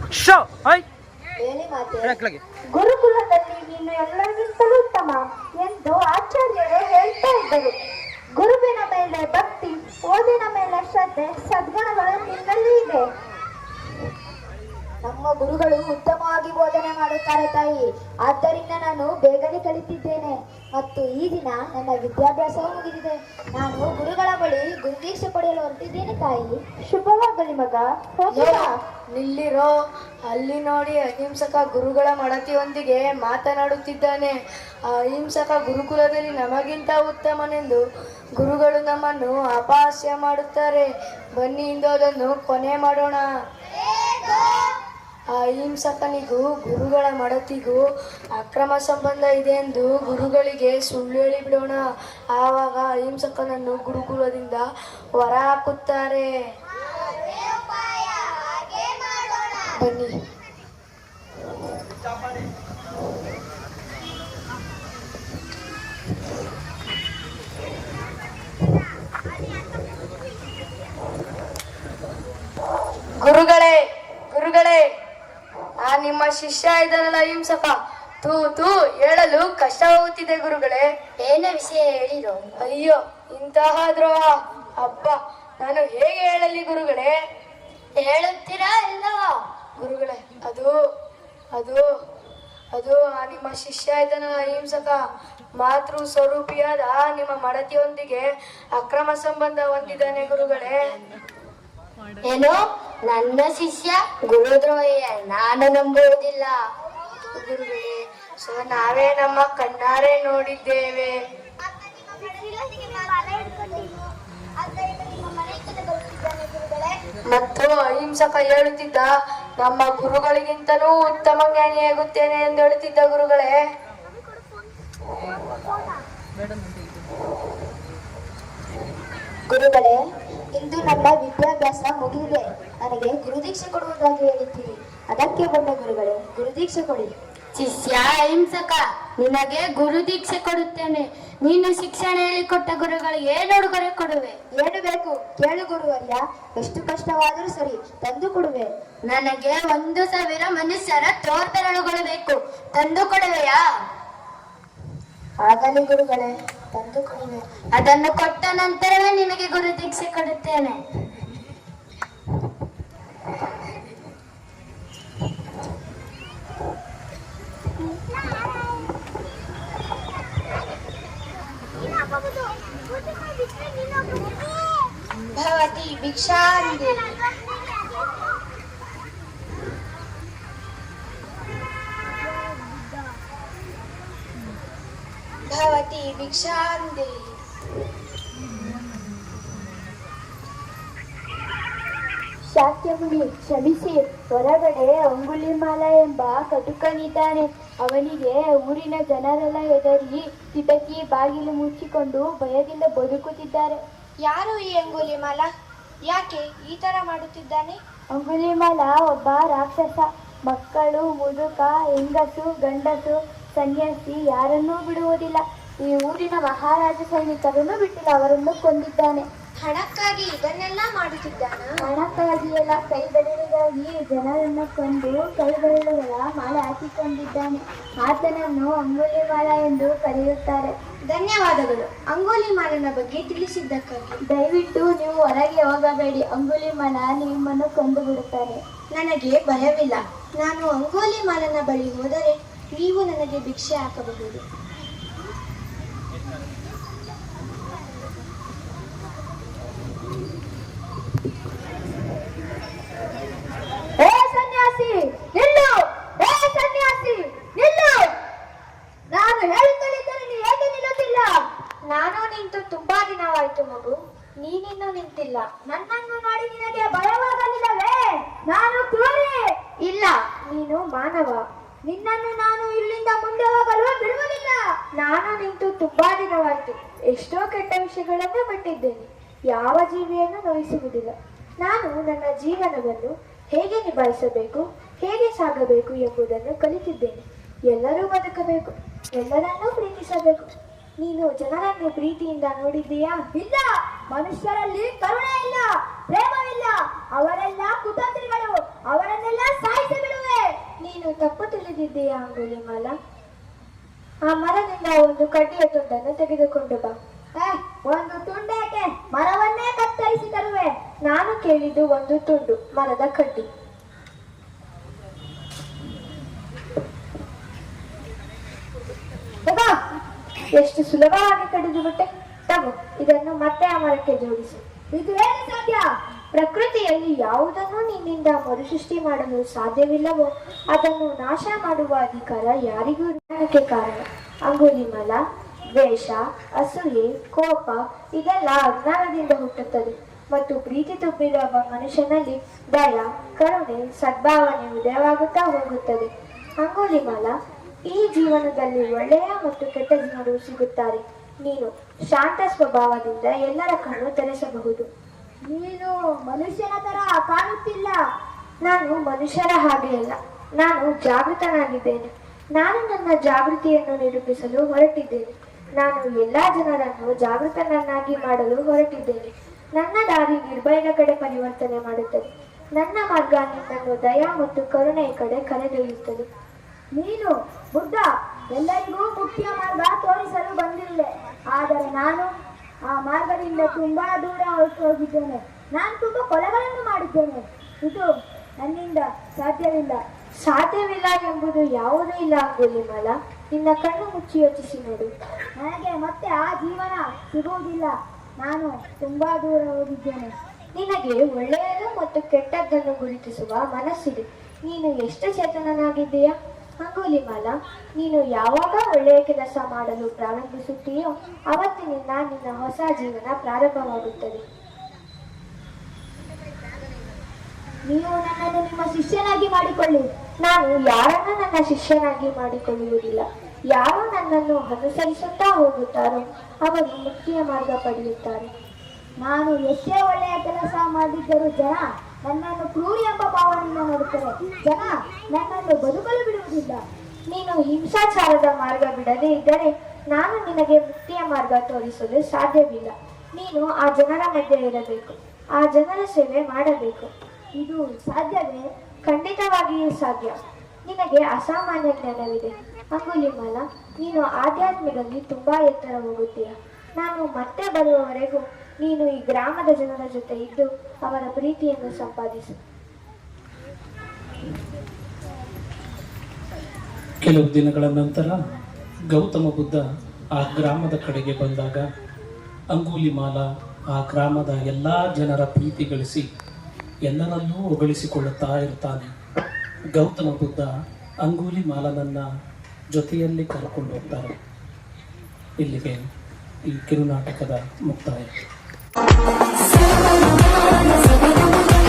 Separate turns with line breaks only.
ಹೇಳಿ ಮಾತೆ. ಗುರುಕುಲದಲ್ಲಿ ನೀನು ಎಲ್ಲರಿಗಿಂತಲೂ ಉತ್ತಮ ಎಂದು ಆಚಾರ್ಯರು ಹೇಳ್ತಾ ಇದ್ದರು. ಗುರುವಿನ ಮೇಲೆ ಭಕ್ತಿ, ಓದಿನ ಮೇಲೆ ಶ್ರದ್ಧೆ, ಸದ್ಗುಣಗಳು ನಿನ್ನಲ್ಲಿ ಇದೆ. ನಮ್ಮ ಗುರುಗಳು ಉತ್ತಮವಾಗಿ ಬೋಧನೆ ಮಾಡುತ್ತಾರೆ ತಾಯಿ. ಆದ್ದರಿಂದ ನಾನು ಬೇಗನೆ ಕಲಿತಿದ್ದೇನೆ ಮತ್ತು ಈ ದಿನ ನನ್ನ ವಿದ್ಯಾಭ್ಯಾಸವೂ ಮುಗಿದಿದೆ. ನಾನು ಗುರುಗಳ ಬಳಿ ಗುರುದೀಕ್ಷೆ ಪಡೆಯಲು ಹೊರಟಿದ್ದೇನೆ ತಾಯಿ. ಶುಭವಾಗಲಿ ಮಗ.
ನಿಲ್ಲಿರೋ, ಅಲ್ಲಿ ನೋಡಿ ಅಹಿಂಸಕ ಗುರುಗಳ ಮಡತಿಯೊಂದಿಗೆ ಮಾತನಾಡುತ್ತಿದ್ದಾನೆ. ಅಹಿಂಸಕ ಗುರುಕುಲದಲ್ಲಿ ನಮಗಿಂತ ಉತ್ತಮನೆಂದು ಗುರುಗಳು ನಮ್ಮನ್ನು ಅಪಹಾಸ್ಯ ಮಾಡುತ್ತಾರೆ. ಬನ್ನಿ ಇಂದು ಅದನ್ನು ಕೊನೆ ಮಾಡೋಣ. ಅಹಿಂಸಕನಿಗೂ ಗುರುಗಳ ಮಡತಿಗೂ ಅಕ್ರಮ ಸಂಬಂಧ ಇದೆ ಎಂದು ಗುರುಗಳಿಗೆ ಸುಳ್ಳು ಹೇಳಿಬಿಡೋಣ. ಆವಾಗ ಅಹಿಂಸಕನನ್ನು ಗುರುಕುಲದಿಂದ ಹೊರ ಹಾಕುತ್ತಾರೆ. ಬನ್ನಿ. ಗುರುಗಳೇ, ಗುರುಗಳೇ, ನಿಮ್ಮ ಶಿಷ್ಯ ಇದ್ದಾನಲ್ಲ ಅಹಿಂಸಕ, ತೂ ಹೇಳಲು ಕಷ್ಟವಾಗುತ್ತಿದೆ ಗುರುಗಳೇ.
ಏನ ವಿಷಯ ಹೇಳಿರೋ?
ಅಯ್ಯೋ, ಇಂತಹ ದ್ರೋಹ! ಅಬ್ಬ, ನಾನು ಹೇಗೆ ಹೇಳಲಿ ಗುರುಗಳೇ?
ಹೇಳುತ್ತೀರಾ ಇಲ್ಲ?
ಗುರುಗಳೇ, ಅದು ಅದು ಅದು ನಿಮ್ಮ ಶಿಷ್ಯ ಇದ್ದಾನಲ್ಲ ಅಹಿಂಸಕ, ಮಾತೃ ಸ್ವರೂಪಿಯಾದ ನಿಮ್ಮ ಮಡತಿಯೊಂದಿಗೆ ಅಕ್ರಮ ಸಂಬಂಧ ಹೊಂದಿದ್ದಾನೆ ಗುರುಗಳೇ.
ಏನು? ನನ್ನ ಶಿಷ್ಯ ಗುರುದ್ರೋಹಿಯ? ನಾನು ನಂಬುವುದಿಲ್ಲ
ಗುರುಗಳೇ. ನಾವೇ ನಮ್ಮ ಕಣ್ಣಾರೆ ನೋಡಿದ್ದೇವೆ. ಮತ್ತು ಅಹಿಂಸಕ ಹೇಳುತ್ತಿದ್ದ, ನಮ್ಮ ಗುರುಗಳಿಗಿಂತಲೂ ಉತ್ತಮ ಜ್ಞಾನಿಯಾಗುತ್ತೇನೆ ಎಂದು ಹೇಳುತ್ತಿದ್ದ ಗುರುಗಳೇ.
ಗುರುಗಳೇ, ಇಂದು ನನ್ನ ವಿದ್ಯಾಭ್ಯಾಸ ಮುಗಿದಿದೆ. ನನಗೆ ಗುರುದೀಕ್ಷೆ ಕೊಡುವುದಾಗಿ ಹೇಳಿದ್ದೀರಿ. ಅದಕ್ಕೆ ಬಂದ ಗುರುಗಳೇ, ಗುರುದೀಕ್ಷೆ ಕೊಡಿ.
ಶಿಷ್ಯ ಅಹಿಂಸಕ, ನಿನಗೆ ಗುರುದೀಕ್ಷೆ ಕೊಡುತ್ತೇನೆ. ನೀನು ಶಿಕ್ಷಣ ಹೇಳಿಕೊಟ್ಟ ಗುರುಗಳಿಗೆ ಏನು ಉಡುಗೊರೆ ಕೊಡುವೆ?
ಏನು ಬೇಕು ಕೇಳು ಗುರುವರ್ಯ. ಎಷ್ಟು ಕಷ್ಟವಾದರೂ ಸರಿ, ತಂದು ಕೊಡುವೆ.
ನನಗೆ 1,000 ಮನುಷ್ಯರ ತೋರ್ಬೆರಳುಗಳು ಬೇಕು. ತಂದು ಕೊಡುವೆಯಾ?
ಆಗಲಿ ಗುರುಗಳೇ, ತಂದು ಕೊಡುವೆ.
ಅದನ್ನು ಕೊಟ್ಟ ನಂತರವೇ ನಿನಗೆ ಗುರುದೀಕ್ಷೆ ಕೊಡುತ್ತೇನೆ.
ಭವತಿ ಭಿಕ್ಷಾಂದೇಹಿ. ಭವತಿ ಭಿಕ್ಷಾಂದೇಹಿ. ಶಾಕ್ಯಮುನಿ, ಕ್ಷಮಿಸಿ. ಹೊರಗಡೆ ಅಂಗುಲಿಮಾಲ ಎಂಬ ಕಟುಕನಿದ್ದಾನೆ. ಅವನಿಗೆ ಊರಿನ ಜನರೆಲ್ಲ ಹೆದರಿ ಕಿಟಕಿ ಬಾಗಿಲು ಮುಚ್ಚಿಕೊಂಡು ಭಯದಿಂದ ಬದುಕುತ್ತಿದ್ದಾರೆ.
ಯಾರು ಈ ಅಂಗುಲಿಮಾಲ? ಯಾಕೆ ಈ ತರ ಮಾಡುತ್ತಿದ್ದಾನೆ?
ಅಂಗುಲಿಮಾಲ ಒಬ್ಬ ರಾಕ್ಷಸ. ಮಕ್ಕಳು, ಮುದುಕ, ಹೆಂಗಸು, ಗಂಡಸು, ಸನ್ಯಾಸಿ ಯಾರನ್ನೂ ಬಿಡುವುದಿಲ್ಲ. ಈ ಊರಿನ ಮಹಾರಾಜ ಸೈನಿಕರನ್ನು ಬಿಟ್ಟಿಲ್ಲ, ಅವರನ್ನು ಕೊಂದಿದ್ದಾನೆ.
ಹಣಕ್ಕಾಗಿ ಇದನ್ನೆಲ್ಲ ಮಾಡುತ್ತಿದ್ದಾನ?
ಹಣಕ್ಕಾಗಿ ಎಲ್ಲ, ಕೈ ಬೆರಳಿಗಾಗಿ ಜನರನ್ನು ಕೊಂದು ಕೈ ಬೆರಳುಗಳ ಮಾಲೆ ಹಾಕಿಕೊಂಡಿದ್ದಾನೆ. ಆತನನ್ನು ಅಂಗುಲಿಮಾಲ ಎಂದು ಕರೆಯುತ್ತಾರೆ.
ಧನ್ಯವಾದಗಳು ಅಂಗುಲಿಮಾಲನ ಬಗ್ಗೆ ತಿಳಿಸಿದ್ದಕ್ಕಾಗಿ.
ದಯವಿಟ್ಟು ನೀವು ಹೊರಗೆ ಹೋಗಬೇಡಿ, ಅಂಗುಲಿಮಾಲ ನಿಮ್ಮನ್ನು ಕೊಂದು ಬಿಡುತ್ತಾರೆ.
ನನಗೆ ಭಯವಿಲ್ಲ. ನಾನು ಅಂಗುಲಿಮಾಲನ ಬಳಿ ಹೋದರೆ ನೀವು ನನಗೆ ಭಿಕ್ಷೆ ಹಾಕಬಹುದು.
ನಾನು ಹೇಳುತ್ತಲಿದ್ದರೆ ನೀವು ಹೇಗೆ ನಿಲ್ಲುತ್ತಿಲ್ಲ?
ನಾನು ನಿಂತು ತುಂಬಾ ದಿನವಾಯಿತು ಮಗು, ನೀನಿನ್ನೂ ನಿಂತಿಲ್ಲ.
ನನ್ನನ್ನು ನೋಡಿ ನಿನಗೆ ಭಯವಾಗಲಿಲ್ಲವೇ? ನಾನು ಕ್ರೂರಿ.
ಇಲ್ಲ, ನೀನು ಮಾನವ.
ನಿನ್ನನ್ನು ನಾನು ಇಲ್ಲಿಂದ ಮುಂದೆ ಹೋಗಲು ಬಿಡುವುದಿಲ್ಲ.
ನಾನು ನಿಂತು ತುಂಬಾ ದಿನವಾಯಿತು. ಎಷ್ಟೋ ಕೆಟ್ಟ ವಿಷಯಗಳನ್ನು ಬಿಟ್ಟಿದ್ದೇನೆ. ಯಾವ ಜೀವಿಯನ್ನು ನೋಯಿಸುವುದಿಲ್ಲ. ನಾನು ನನ್ನ ಜೀವನವನ್ನು ಹೇಗೆ ನಿಭಾಯಿಸಬೇಕು, ಹೇಗೆ ಸಾಗಬೇಕು ಎಂಬುದನ್ನು ಕಲಿತಿದ್ದೇನೆ. ಎಲ್ಲರೂ ಬದುಕಬೇಕು, ಎಲ್ಲರನ್ನೂ ಪ್ರೀತಿಸಬೇಕು. ನೀನು ಜನರನ್ನು ಪ್ರೀತಿಯಿಂದ ನೋಡಿದ್ದೀಯಾ?
ಇಲ್ಲ. ಮನುಷ್ಯರಲ್ಲಿ ಕರುಣೆ ಇಲ್ಲ, ಪ್ರೇಮವಿಲ್ಲ. ಅವರೆಲ್ಲ ಕುತಂತ್ರಿಗಳು. ಅವರನ್ನೆಲ್ಲ ಸಾಯಿಸಬೇಕು.
ಯೋಚಿಸುತ್ತಿದ್ದೀಯಾ ಅಂಗುಲಿಮಾಲ? ಆ ಮರದಿಂದ ಒಂದು ಕಡ್ಡಿಯ ತುಂಡನ್ನು ತೆಗೆದುಕೊಂಡು ಬಾ.
ಒಂದು ತುಂಡೇಕೆ, ಮರವನ್ನೇ ಕತ್ತರಿಸಿ ತರುವೆ.
ನಾನು ಕೇಳಿದ್ದು ಒಂದು ತುಂಡು ಮರದ ಕಡ್ಡಿ. ತಗೋ. ಎಷ್ಟು ಸುಲಭವಾಗಿ ಕಡಿದು ಬಿಟ್ಟೆ. ತಗೋ, ಇದನ್ನು ಮತ್ತೆ ಆ ಮರಕ್ಕೆ ಜೋಡಿಸು.
ಇದು ಹೇಗೆ ಸಾಧ್ಯ?
ಪ್ರಕೃತಿಯಲ್ಲಿ ಯಾವುದನ್ನು ನಿನ್ನಿಂದ ಮರುಸೃಷ್ಟಿ ಮಾಡಲು ಸಾಧ್ಯವಿಲ್ಲವೋ ಅದನ್ನು ನಾಶ ಮಾಡುವ ಅಧಿಕಾರ ಯಾರಿಗೂ ಇರುವುದಕ್ಕೆ ಕಾರಣ. ಅಂಗುಲಿಮಾಲ, ದ್ವೇಷ, ಅಸೂಯೆ, ಕೋಪ ಇದೆಲ್ಲ ಅಜ್ಞಾನದಿಂದ ಹುಟ್ಟುತ್ತದೆ ಮತ್ತು ಪ್ರೀತಿ ತುಂಬಿದ ಒಬ್ಬ ಮನುಷ್ಯನಲ್ಲಿ ದಯ, ಕರುಣೆ, ಸದ್ಭಾವನೆ ಉದಯವಾಗುತ್ತಾ ಹೋಗುತ್ತದೆ. ಅಂಗುಲಿಮಾಲ, ಈ ಜೀವನದಲ್ಲಿ ಒಳ್ಳೆಯ ಮತ್ತು ಕೆಟ್ಟ ಜನರು ಸಿಗುತ್ತಾರೆ. ನೀನು ಶಾಂತ ಸ್ವಭಾವದಿಂದ ಎಲ್ಲರ ಕಣ್ಣು ತೆರೆಸಬಹುದು.
ನೀನು ಮನುಷ್ಯನ ತರ ಕಾಣುತ್ತಿಲ್ಲ.
ನಾನು ಮನುಷ್ಯರ ಹಾಗೆ ಅಲ್ಲ, ನಾನು ಜಾಗೃತನಾಗಿದ್ದೇನೆ. ನಾನು ನನ್ನ ಜಾಗೃತಿಯನ್ನು ನಿರೂಪಿಸಲು ಹೊರಟಿದ್ದೇನೆ. ನಾನು ಎಲ್ಲಾ ಜನರನ್ನು ಜಾಗೃತನನ್ನಾಗಿ ಮಾಡಲು ಹೊರಟಿದ್ದೇನೆ. ನನ್ನ ದಾರಿ ನಿರ್ಭಯದ ಕಡೆ ಪರಿವರ್ತನೆ ಮಾಡುತ್ತದೆ. ನನ್ನ ಮಾರ್ಗ ನಿನ್ನನ್ನು ದಯ ಮತ್ತು ಕರುಣೆಯ ಕಡೆ ಕರೆದೊಯ್ಯುತ್ತದೆ.
ನೀನು ಬುದ್ಧ ಎಲ್ಲರಿಗೂ ಮುಖ್ಯ ಮಾರ್ಗ ತೋರಿಸಲು ಬಂದಿರುವೆ. ಆದರೆ ನಾನು ಆ ಮಾರ್ಗದಿಂದ ತುಂಬಾ ದೂರ ಹೊರಟು ಹೋಗಿದ್ದೇನೆ. ನಾನು ತುಂಬಾ ಕೊಲೆಗಳನ್ನು ಮಾಡಿದ್ದೇನೆ. ಇದು ನನ್ನಿಂದ ಸಾಧ್ಯವಿಲ್ಲ.
ಸಾಧ್ಯವಿಲ್ಲ ಎಂಬುದು ಯಾವುದೂ ಇಲ್ಲ ಅಂಗುಲಿಮಾಲ. ನಿನ್ನ ಕಣ್ಣು ಮುಚ್ಚಿ ಯೋಚಿಸಿ ನೋಡು.
ನನಗೆ ಮತ್ತೆ ಆ ಜೀವನ ಸಿಗುವುದಿಲ್ಲ. ನಾನು ತುಂಬಾ ದೂರ ಹೋಗಿದ್ದೇನೆ.
ನಿನಗೆ ಒಳ್ಳೆಯದು ಮತ್ತು ಕೆಟ್ಟದ್ದನ್ನು ಗುರುತಿಸುವ ಮನಸ್ಸಿದೆ. ನೀನು ಎಷ್ಟು ಚೇತನನಾಗಿದ್ದೀಯಾ ಅಂಗುಲಿಮಾಲ? ನೀನು ಯಾವಾಗ ಒಳ್ಳೆಯ ಕೆಲಸ ಮಾಡಲು ಪ್ರಾರಂಭಿಸುತ್ತೀಯೋ ಅವತ್ತಿನಿಂದ ನಿನ್ನ ಹೊಸ ಜೀವನ ಪ್ರಾರಂಭವಾಗುತ್ತದೆ.
ನೀವು ನನ್ನನ್ನು ನಿಮ್ಮ ಶಿಷ್ಯನಾಗಿ ಮಾಡಿಕೊಳ್ಳಿ.
ನಾನು ಯಾರನ್ನು ನನ್ನ ಶಿಷ್ಯನಾಗಿ ಮಾಡಿಕೊಳ್ಳುವುದಿಲ್ಲ. ಯಾರು ನನ್ನನ್ನು ಅನುಸರಿಸುತ್ತಾ ಹೋಗುತ್ತಾರೋ ಅವರು ಮುಕ್ತಿಯ ಮಾರ್ಗ ಪಡೆಯುತ್ತಾರೆ.
ನಾನು ಎಷ್ಟೇ ಒಳ್ಳೆಯ ಕೆಲಸ ಮಾಡಿದ್ದರೂ ಜನ ನನ್ನನ್ನು ಕ್ರೂರಿ ಎಂಬ ಭಾವನೆಯಿಂದ ನೋಡುತ್ತಾರೆ. ಜನ ನನ್ನನ್ನು ಬದುಕಲು ಬಿಡುವುದಿಲ್ಲ.
ನೀನು ಹಿಂಸಾಚಾರದ ಮಾರ್ಗ ಬಿಡದೇ ಇದ್ದರೆ ನಾನು ನಿನಗೆ ಮುಕ್ತಿಯ ಮಾರ್ಗ ತೋರಿಸಲು ಸಾಧ್ಯವಿಲ್ಲ. ನೀನು ಆ ಜನರ ಮಧ್ಯೆ ಇರಬೇಕು, ಆ ಜನರ ಸೇವೆ ಮಾಡಬೇಕು.
ಇದು ಸಾಧ್ಯವೇ?
ಖಂಡಿತವಾಗಿಯೂ ಸಾಧ್ಯ. ನಿನಗೆ ಅಸಾಮಾನ್ಯ ಜ್ಞಾನವಿದೆ ಅಂಗುಲಿಮಾಲ. ನೀನು ಆಧ್ಯಾತ್ಮದಲ್ಲಿ ತುಂಬಾ ಎತ್ತರ ಹೋಗುತ್ತೀಯ. ನಾನು ಮತ್ತೆ ಬರುವವರೆಗೂ ನೀನು ಈ ಗ್ರಾಮದ ಜನರ ಜೊತೆ ಇದ್ದು ಅವರ ಪ್ರೀತಿಯನ್ನು ಸಂಪಾದಿಸು.
ಕೆಲವು ದಿನಗಳ ನಂತರ ಗೌತಮ ಬುದ್ಧ ಆ ಗ್ರಾಮದ ಕಡೆಗೆ ಬಂದಾಗ ಅಂಗುಲಿಮಾಲ ಆ ಗ್ರಾಮದ ಎಲ್ಲ ಜನರ ಪ್ರೀತಿ ಗಳಿಸಿ ಎಲ್ಲರನ್ನೂ ಹೊಗಳಿಸಿಕೊಳ್ಳುತ್ತಾ ಇರ್ತಾನೆ. ಗೌತಮ ಬುದ್ಧ ಅಂಗುಲಿಮಾಲನನ್ನ ಜೊತೆಯಲ್ಲಿ ಕರ್ಕೊಂಡು ಹೋಗ್ತಾರೆ. ಇಲ್ಲಿಗೆ ಈ ಕಿರುನಾಟಕದ ಮುಕ್ತಾಯ.